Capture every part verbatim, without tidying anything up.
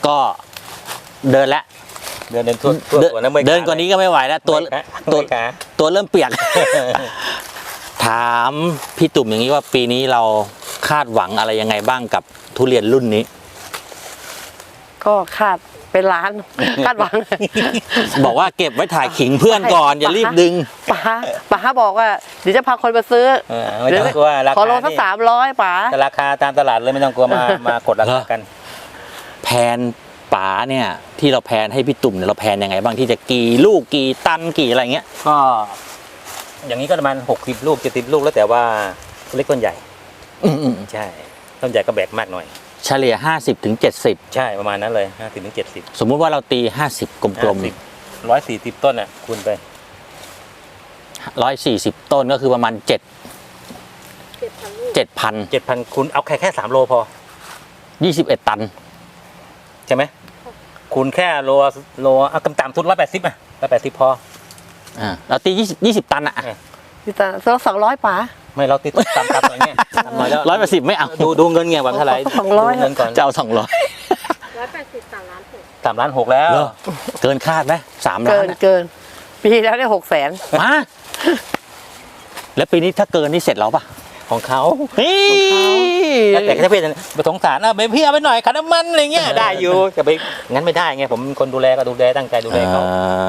ก็เดินแล้วเดินเดินทั่วทั่วตัวนะเดินกว่านี้ก็ไม่ไหวแล้วตัวตัวตัวเริ่มเปียก ถามพี่ตุ่มอย่างนี้ว่าปีนี้เราคาดหวังอะไรยังไงบ้างกับทุเรียนรุ่นนี้ก็คาดเป็นล้านคาดหวังบอกว่าเก็บไว้ถ่ายขิงเพื่อนก่อนอย่ารีบดึงป๋าป๋าบอกว่าเดี๋ยวจะพาคนมาซื้อไม่ต้องกลัวราคาขอโลสักสามร้อยป๋าแต่ราคาตามตลาดเลยไม่ต้องกลัวมามากดราคากันแพนป๋าเนี่ยที่เราแพนให้พี่ตุ่มเนี่ยเราแพนยังไงบ้างที่จะกี่ลูกกี่ตันกี่อะไรเงี้ยก็อย่างนี้ก็ประมาณหกสิบลูกเจ็ดสิบลูกแล้วแต่ว่าเล็กต้นใหญ่อืมใช่ต้นใหญ่ก็แบกมากหน่อยเฉลี่ยห้าสิบถึงเจ็ดสิบใช่ประมาณนั้นเลยห้าสิบถึงเจ็ดสิบสมมุติว่าเราตีห้าสิบกลมๆร้อยสี่สิบต้นอ่ะคูณไปร้อยสี่สิบต้นก็คือประมาณเจ็ดเจ็ดพันเจ็ดพันคูณเอาแค่แค่สามโลพอยี่สิบเอ็ดตันใช่ไหมคูณแค่โลโลเอาต่ำๆทุนร้อยแปดสิบอ่ะร้อยแปดสิบพออ่าเราตียี่สิบยี่สิบตันอ่ะยี่สิบตันสองร้อยป๋าไม่เราตีต่ำๆหน่อยเนี่ยน้อยแล้วร้อยแปดสิบไม่เอาดูดูเงินเงี้ยวันเท่าไหร่สองร้อยเงินก่อนจะเอาสองร้อยร้อยแปดสิบสามล้านหกสามล้านหกแล้วเกินคาดไหมสามล้านเกินเกินปีแล้วได้หกแสนมาแล้วปีนี้ถ้าเกินนี่เสร็จแล้วป่ะของเขาแต่ถ้าเป็นไปสงสารอ่ะไปพี่เอาไปหน่อยขันน้ำมันอะไรเงี้ยได้อยู่จะไปงั้นไม่ได้ไงผมคนดูแลก็ดูแลตั้งใจดูแลเขา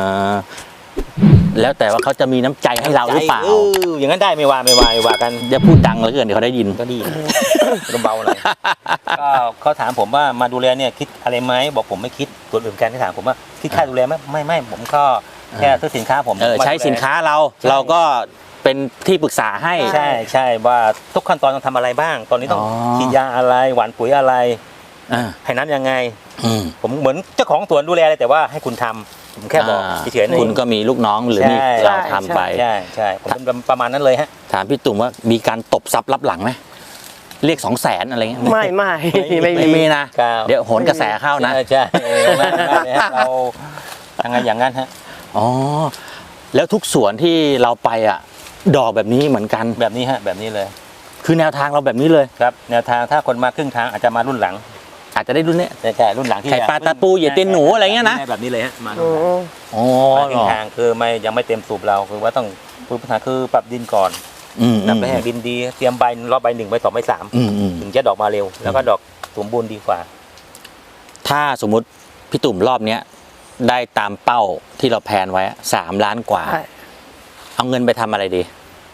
แล้วแต่ว่าเขาจะมีน้ำใจให้เราหรือเปล่าอย่างนั้นได้ไม่ว่าไม่ว่าไม่ว่ากันอย่าพูดดังเลยเกินเดี๋ยวเขาได้ยินก็ดีเบาๆหน่อยก็เขาถามผมว่ามาดูแลเนี่ยคิดอะไรไหมบอกผมไม่คิดตัวอื่นการที่ถามผมว่าคิดค่าดูแลไหมไม่ไม่ผมก็แค่ซื้อสินค้าผมใช้สินค้าเราเราก็เป็นที่ปรึกษาให้ใช่ใช่ว่าทุกขั้นตอนต้องทำอะไรบ้างตอนนี้ต้องฉีดยาอะไรหว่านปุ๋ยอะไรให้น้ำยังไงผมเหมือนเจ้าของสวนดูแลเลยแต่ว่าให้คุณทำผมแค่บอกเฉยๆคุณก็มีลูกน้องหรือมีเราทำไปใช่ใช่ผมเป็นประมาณนั้นเลยฮะถามพี่ตุ่มว่ามีการตบซับรับหลังไหมเรียกสองแสนอะไรเงี้ยไม่ไม่ไม่มีนะเดี๋ยวโหนกระแสเข้านะใช่เราทำไงอย่างนั้นฮะอ๋อแล้วทุกสวนที่เราไปอ่ะดอกแบบนี้เหมือนกันแบบนี้ฮะแบบนี้เลยคือแนวทางเราแบบนี้เลยครับแนวทางถ้าคนมาครึ่งทางอาจจะมารุ่นหลังอาจจะได้รุ่นนี้ใช่รุ่นหลังที่ไข่ปลาตะปูเหยียดตีนหนูอะไรเงี้ยนะแบบนี้เลยฮะมาอ๋อครึ่งทางคือไม่ยังไม่เต็มสูบเราคือว่าต้องพื้นฐานคือปรับดินก่อนนำไปให้ดินดีเตรียมใบรอบใบหนึ่งใบสองใบสามถึงจะดอกมาเร็วแล้วก็ดอกสมบูรณ์ดีกว่าถ้าสมมุติพี่ตุ่มรอบเนี้ยได้ตามเป้าที่เราแพนไว้สามล้านกว่าเอาเงินไปทำอะไรดี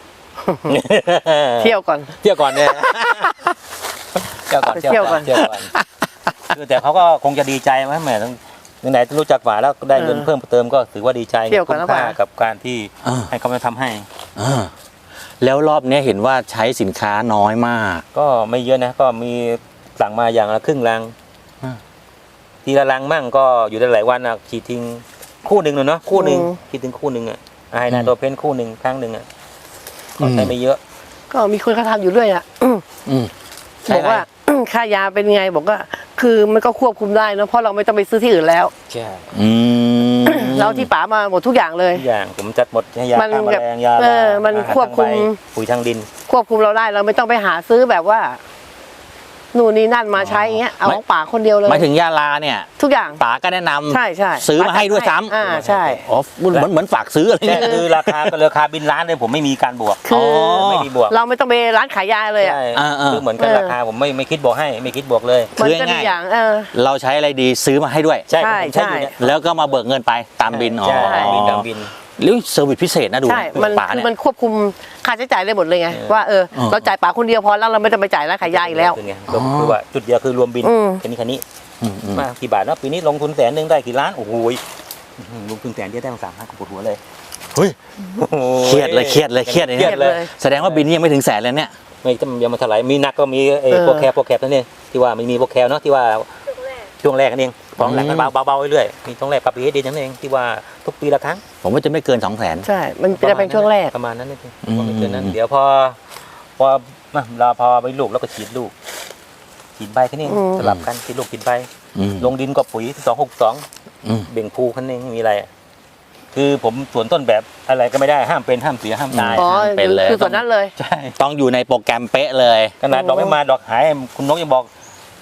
เที่ยวก่อนเที่ยวก่อนเนี่ยเที่ยวก่อนเที่ยวก่อนเที่ยวก่อนคือแต่เขาก็คงจะดีใจไหมแม่ไหนๆรู้จักฝาแล้วได้เงินเพิ่มเติมก็ถือว่าดีใจคุ้มค่ากับการที่ให้เขามาทำให้แล้วรอบนี้เห็นว่าใช้สินค้าน้อยมากก็ไม่เยอะนะก็มีสั่งมาอย่างละครึ่งลังทีละลังมั่งก็อยู่ได้หลายวันอ่ะขีดทิ้งคู่หนึ่งเลยเนาะคู่หนึ่งขีดถึงคู่หนึ่งอ่ะไอ้นาโดเพนคู่หนึ่งครั้งหนึ่งอ่ะก็ใช้ไม่เยอะก็มีคนเขาทำอยู่ด้วยอ่ะบอกว่าค่ายาเป็นไงบอกว่าคือมันก็ควบคุมได้นะเพราะเราไม่ต้องไปซื้อที่อื่นแล้วใช่เราที่ป๋ามาหมดทุกอย่างเลยทุกอย่างผมจัดหมดยาฆ่าแมลงยาเออมันควบคุมปุ๋ยทางดินควบคุมเราได้เราไม่ต้องไปหาซื้อแบบว่านู่นนี่นั่นมาใช้อย่างเงี้ยเอาของป๋าคนเดียวเลยหมายถึงยาลาเนี่ยทุกอย่างป๋าก็แนะนำใช่ใช่ซื้อมาให้ด้วยซ้ำอ่าใช่อ๋อเหมือนเหมือนฝากซื้ออะไรเงี้ยคือราคาก็ราคาบินร้านเลยผมไม่มีการบวกคือไม่มีบวกเราไม่ต้องไปร้านขายยาเลยอ่ะคือเหมือนกันราคาผมไม่ไม่คิดบวกให้ไม่คิดบวกเลยคือง่ายอย่างเราใช้อะไรดีซื้อมาให้ด้วยใช่ใช่แล้วก็มาเบิกเงินไปตามบินอ๋อบินตามบินหรือเซอร์วิสพิเศษนะดูใช่มันคือมันควบคุมค่าใช้จ่ายได้หมดเลยไงว่าเออเราจ่ายป๋าคนเดียวพอแล้วเราไม่ต้องไปจ่ายร้านขายยาอีกแล้วคือว่าจุดเดียวคือรวมบินแค่นี้แค่นี้มากี่บาทเนาะปีนี้ลงทุนแสนหนึ่งได้กี่ล้านโอ้โหลงทุนแสนเดียวได้ตั้งสามล้านปวดหัวเลยเฮ้ยเครียดเลยเครียดเลยเครียดเลยแสดงว่าบินนี้ยังไม่ถึงแสนเลยเนี่ยไม่จำยังมาเท่าไหร่มีนักก็มีไอ้โปรแคปโปรแคปนั่นเองที่ว่ามันมีโปรแคปเนาะที่ว่าช่วงแรกนั่นเองของหลังมันเบาเบาเรื่อยๆมีช่วงแรกปรับปีให้ดีนั่นเองที่ว่าทุกปีละครั้งผมว่าจะไม่เกินสองแสนใช่มันจะเป็นช่วงแรกประมาณนั้นนี่ไม่เกินนั้นเดี๋ยวพอพอเราพอไปลูกแล้วก็ฉีดลูกฉีดใบแค่นี้สลับกันฉีดลูกฉีดใบลงดินกับปุ๋ยสองหกสองเบ่งภูคันเองมีอะไรคือผมสวนต้นแบบอะไรก็ไม่ได้ห้ามเป็นห้ามเสียห้ามตายเป็นเลยคือส่วนนั้นเลยใช่ต้องอยู่ในโปรแกรมเป๊ะเลยขนาดดอกไม่มาดอกหายคุณนกยังบอก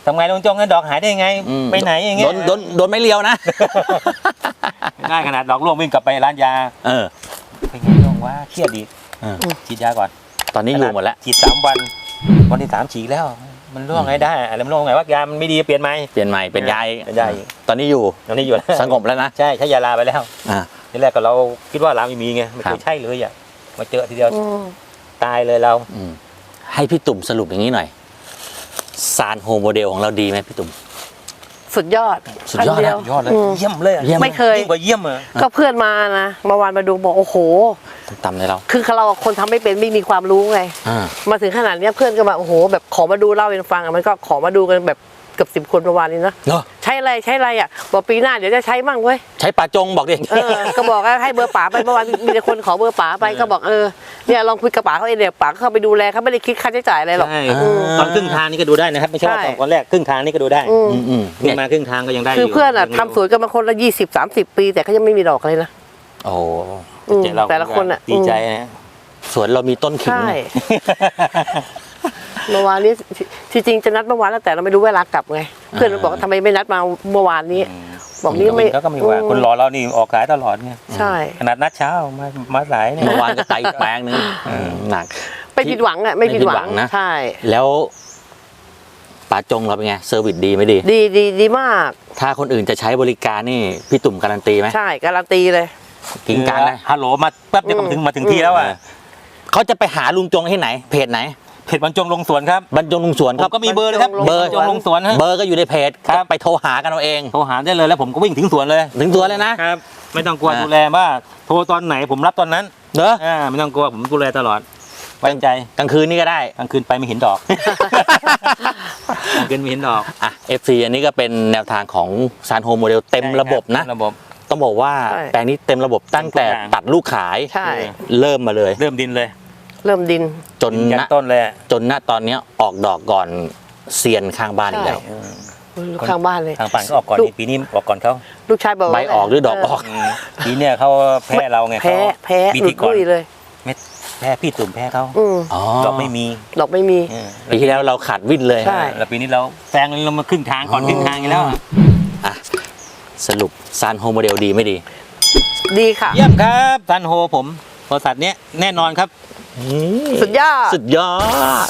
ทำไงลุงจงเงินดอกหายได้ยังไงอืมไปไหนอย่างเงี้โดยนโดนโดนไม่เลียวนะง่ายขนาดดอกร่วงวิ่งกลับไปร้านยาเออเป็นไงลุงว่าเครียดดีเออฉีดยาก่อนตอนนี้อยู่หมดแล้วฉีดสามวันวันที่สามฉีดแล้ว มันร่วงไงได้อะไรมันร่วงไงว่ายามันไม่ดีเปลี่ยนไหมเปลี่ยนใหม่เป็นยายเป็นยายตอนนี้อยู่ตอนนี้อยู่แล้วสงบแล้วนะใช่ใช้ยาลาไปแล้วอ่าทีแรกก็เราคิดว่าลาไม่มีไงไม่ครัเคบยใช่เลยอ่ะมาเจอทีเดียวอืมตายเลยเราอืมให้พี่ตุ่มสรุปอย่างนี้หน่อยซานโฮโมเดลของเราดีไหมพี่ตุ่มสุดยอดสุดยอดนเดีนะวยยอดเลยมเยี่ยมเลยอะเยี่ยมไม่เคยยิ่งกว่าเยี่ยมอ่ะก็เพื่อนมานะเมื่อวานมาดูบอกโอ้โหต่ำเลยเราคือเราคนทำไม่เป็นไม่มีความรู้ไงอ่ามาถึงขนาดเนี้ยเพื่อนก็มาโอ้โห แบบขอมาดูเล่าให้ฟังอะมันก็ขอมาดูกันแบบเกือบสิบคนเมื่อวานนี้นะเนาะใช้อะไรใช้อะไรอ่ะบอกปีหน้าเดี๋ยวจะใช้มั่งเว้ยใช้ปลาจงบอกดิเออ ก็บอกว่าให้เบอร์ป๋าไปเมื่อวานมีแต่คนขอเบอร์ป๋าไปก็บอกเออเนี่ยลองคุยกับป๋าเขาเองเดี๋ยวป๋าก็เข้าไปดูแลเขาไม่ได้คิดค่าใช้จ่ายอะไรหรอกใช่อืมตอนครึ่งทางนี่ก็ดูได้นะครับไม่ใช่ว่าใช่ตอนแรกครึ่งทางนี่ก็ดูได้อืมอืมอืมขึ้เนี่ยนมาครึ่งทางก็ยังได้คืออยู่เพื่อนอ่ะยังทำสวนกันมาคนละยี่สิบสามสิบปี แต่เขายังไม่มีดอกเลยนะโอ้โหอืมเจ๊เราแต่ละคนอ่ะดีใจอืมนะสวนเรามีต้นขิงใช่เนี่ยเมื่อวานนี้ที่จริงจะนัดเมื่อวานแล้วแต่เราไม่รู้เวลากลับไงเพื่อนมันบอกว่าทำไมไม่นัดมาเมื่อวานนี้ บอกนี่ไม่เขาก็ไม่ว่าคนรอเรานี่ออกขายตลอดไงใช่ขนาดนัดเช้ามามาสายเนี่ยเมื่อวานก็ไตอีกแปลงนึงหนักไม่ผิดหวังอ่ะไม่ผิดหวัไม่ผิดหวังงนะใช่แล้วปลาจงเราเป็นไงเซอร์วิสดีไม่ดีดีดีดีมากถ้าคนอื่นจะใช้บริการนี่พี่ตุ่มการันตีไหมใช่การันตีเลยกิงการเลยฮัลโหลมาแป๊บเดียวก็มาถึงมาถึงที่แล้วอ่ะเขาจะไปหาลุงจงที่ไหน เพจไหนเพจบรรจงลงสวนครับบรรจงลุงสวนผครัมบก็มีเบอร์เลยครับบรรจงเบอร์จงลงสวนฮะเบอร์ก็อยู่ในเพจครับไปโทรหากันเอาเองโทรหาได้เลยแล้วผมก็วิ่งถึงสวนเลยถึงตัวเลยนะครับ ไม่ต้องกลัวอ่าดูแลว่าโทรตอนไหนผมรับตอนนั้นเนอะอ่าไม่ต้องกลัวผมดูแลตลอดไว้ใจกลางคืนนี่ก็ได้กลางคืนไปไม่เห็นดอก กลางคืนไม่เห็นดอกอ่ะ เอฟ ซี อันนี้ก็เป็นแนวทางของซานโฮโมเดลเต็มระบบนะเต็มระบบต้องบอกว่าใช่แปลงนี้เต็มระบบตั้งแต่เต็มทุกอย่างตัดลูกขายใช่เริ่มมาเลยเริ่มดินเลยเริ่มดินจนยันณต้นเลยอะจนณตอนเนี้ยออกดอกก่อนเซียนข้างบ้านอีกแล้วอืมลูกข้างบ้านเลยทางป่านก็ออกก่อนลูกนี่ปีนี้ออกก่อนเขาลูกชายบอกว่าใบออกหรือดอกออกอืมปีเนี้ยเขาแพ้เราไงแพ้เขาแพ้ปีหลุที่ดก่อนลุยเลยแพ้พี่ตุ่มแพ้เขาอืมอ๋อดอกไม่มีดอกไม่มีอืมปีที่แล้วเราขาดวิ่นเลยใช่แล้วปีนี้เราแซงเรามาครึ่งทางก่อนครึ่งทางอีกแล้วอะอ่ะสรุปซานโฮโมเดลดีไม่ดีดีค่ะเยี่ยมครับซันโฮผมบริษัทเนี้ยแน่นอนครับสุดยอดสุดยอด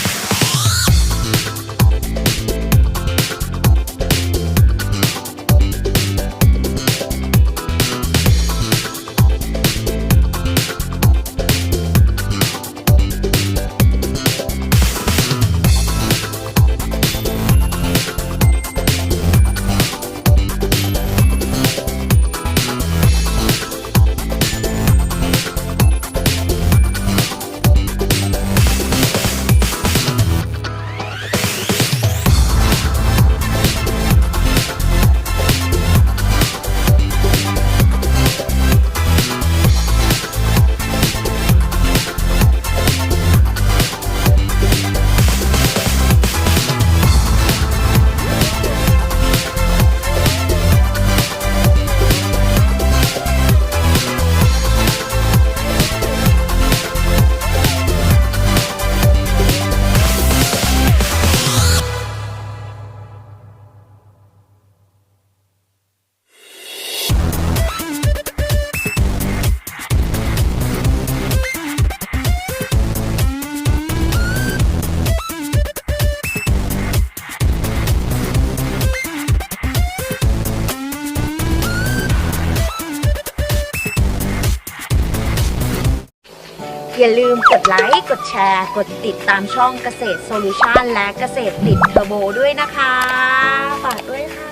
อย่าลืมกดไลค์ กดแชร์ กดติดตามช่องเกษตรโซลูชันและเกษตรติดเทอร์โบด้วยนะคะ ฝากด้วยค่ะ